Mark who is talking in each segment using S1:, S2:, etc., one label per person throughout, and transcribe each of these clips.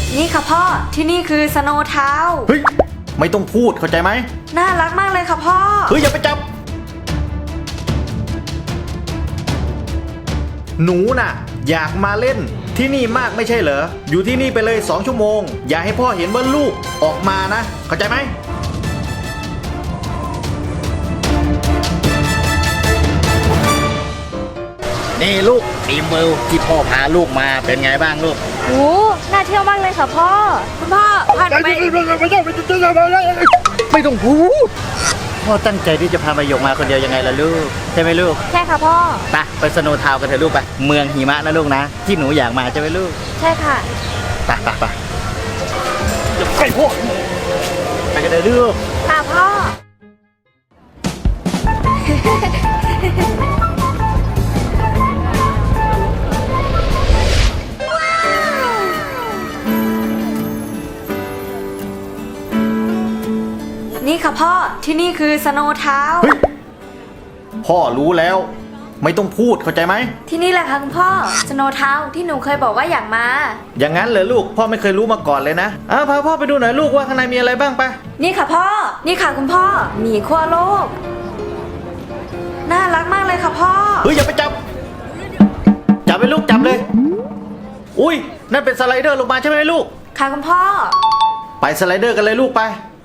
S1: นี่ค่ะพ่อที่นี่คือสโนว์ทาวน์
S2: เฮ้ยไม่ต้องพูดเข้าใจไหม
S1: น่ารักมากเลยค่ะพ่อ
S2: เฮ้ยอย่าไปจับหนูน่ะอยากมาเล่นที่นี่มากไม่ใช่เหรออยู่ที่นี่ไปเลย2 ชั่วโมงอย่าให้พ่อเห็นว่าลูกออกมานะเข้าใจไหมนี่ลูกทีมเวิลด์ที่พ่อพาลูกมาเป็นไงบ้างลูก
S1: โอ้น่าเที่ยวมากเลยค่ะพ่อคุณพ่อพาหนูไป
S2: ไม่ต้องพูดพ่อตั้งใจที่จะพามาหยกมาคนเดียวยังไงล่ะลูกใช่ไหมลูก
S1: ใช่ค่ะพ่อ
S2: ไปสโนว์ทาวน์กันเถอะลูกไปเมืองหิมะนะลูกนะที่หนูอยากมาใช่ไหมลูก
S1: ใช่ค่ะ
S2: ไปไปพ่อไปกันเลยลูก
S1: ค่ะพ่อนี่ค่ะพ่อที่นี่คือสโนว์ทาวน์
S2: พ่อรู้แล้วไม่ต้องพูดเข้าใจไหม
S1: ที่นี่แหละค่ะคุณพ่อสโนว์ทาวน์ที่หนูเคยบอกว่าอยากมา
S2: อย่างนั้นเลยลูกพ่อไม่เคยรู้มาก่อนเลยนะพาพ่อไปดูหน่อยลูกว่าข้างในมีอะไรบ้างไป
S1: นี่ค่ะพ่อนี่ค่ะคุณพ่อหมีขั้วโลกน่ารักมากเลยค่ะพ่อ
S2: เฮ้ยอย่าไปจับไปลูกจับเลยอุ้ยนั่นเป็นสไลเดอร์ลงมาใช่ไหมลูก
S1: ค่ะคุณพ่อ
S2: ไปสไลเดอร์กันเลยลูกไป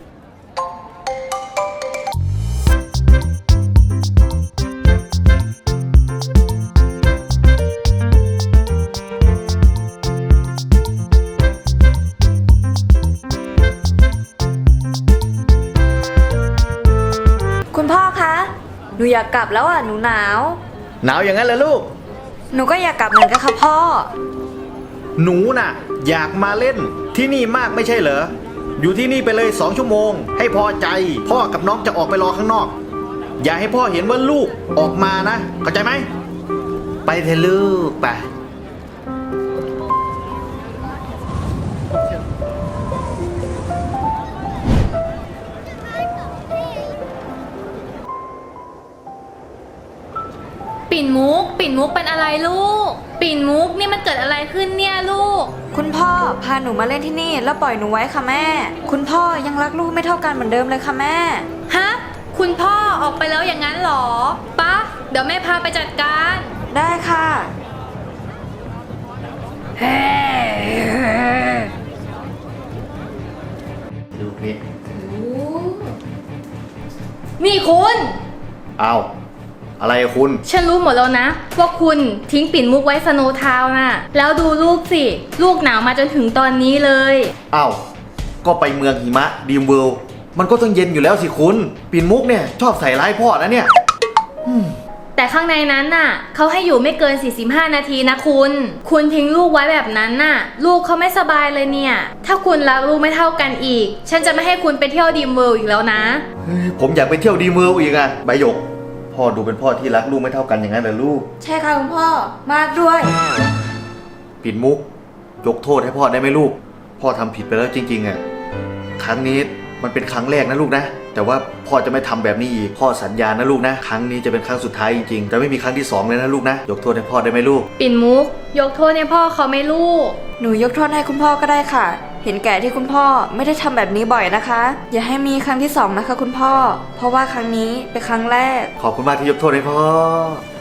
S1: คุณพ่อคะหนูอยากกลับแล้วหนูหนาว
S2: อย่างนั้นเลยลูก
S1: หนูก็อยากกลับเหมือนกันค่ะพ่อ
S2: หนูน่ะอยากมาเล่นที่นี่มากไม่ใช่เหรออยู่ที่นี่ไปเลย2 ชั่วโมงให้พอใจพ่อกับน้องจะออกไปรอข้างนอกอย่าให้พ่อเห็นว่าลูกออกมานะเข้าใจไหมไปเถอะลูกไป
S3: ปิ่นมุกเป็นอะไรลูกปิ่นมุกนี่มันเกิดอะไรขึ้นเนี่ยลูก
S1: คุณพ่อพาหนูมาเล่นที่นี่แล้วปล่อยหนูไว้ค่ะแม่คุณพ่อยังรักลูกไม่เท่ากันเหมือนเดิมเลยค่ะแม่
S3: ฮะคุณพ่อออกไปแล้วอย่างนั้นหรอปะเดี๋ยวแม่พาไปจัดการ
S1: ได้ค่ะ
S2: ลูกนี่
S3: นี่คุณ
S2: เอาอะไรคุณ
S3: ฉันรู้หมดแล้วนะว่าคุณทิ้งปิ่นมุกไว้สโนว์ทาวน์น่ะแล้วดูลูกสิลูกหนาวมาจนถึงตอนนี้เลย
S2: ก็ไปเมืองหิมะดีมเวิลด์มันก็ต้องเย็นอยู่แล้วสิคุณปิ่นมุกเนี่ยชอบใส่ร้ายพ่อนะเนี่ย
S3: แต่ข้างในนั้นน่ะเขาให้อยู่ไม่เกิน45 นาทีนะคุณทิ้งลูกไว้แบบนั้นน่ะลูกเขาไม่สบายเลยเนี่ยถ้าคุณรักลูกไม่เท่ากันอีกฉันจะไม่ให้คุณไปเที่ยวดีมเวิลด์อีกแล้วนะ
S2: ผมอยากไปเที่ยวดีมเวิลด์อีกใบหยกพ่อดูเป็นพ่อที่รักลูกไม่เท่ากันอย่างนั้นเหรอลูก
S1: ใช่ค่ะคุณพ่อมากด้วย
S2: ปิ่นมุกยกโทษให้พ่อได้ไหมลูกพ่อทำผิดไปแล้วจริงๆครั้งนี้มันเป็นครั้งแรกนะลูกนะแต่ว่าพ่อจะไม่ทำแบบนี้อีกพ่อสัญญานะลูกนะครั้งนี้จะเป็นครั้งสุดท้ายจริงๆจะไม่มีครั้งที่2เลยนะลูกนะยกโทษให้พ่อได้ไหมลูก
S3: ปิ่นมุกยกโทษให้พ่อเขาไหมลูก
S1: หนูยกโทษให้คุณพ่อก็ได้ค่ะเห็นแก่ที่คุณพ่อไม่ได้ทำแบบนี้บ่อยนะคะอย่าให้มีครั้งที่2นะคะคุณพ่อเพราะว่าครั้งนี้เป็นครั้งแรก
S2: ขอบคุณมากที่ยกโทษให้พ่อ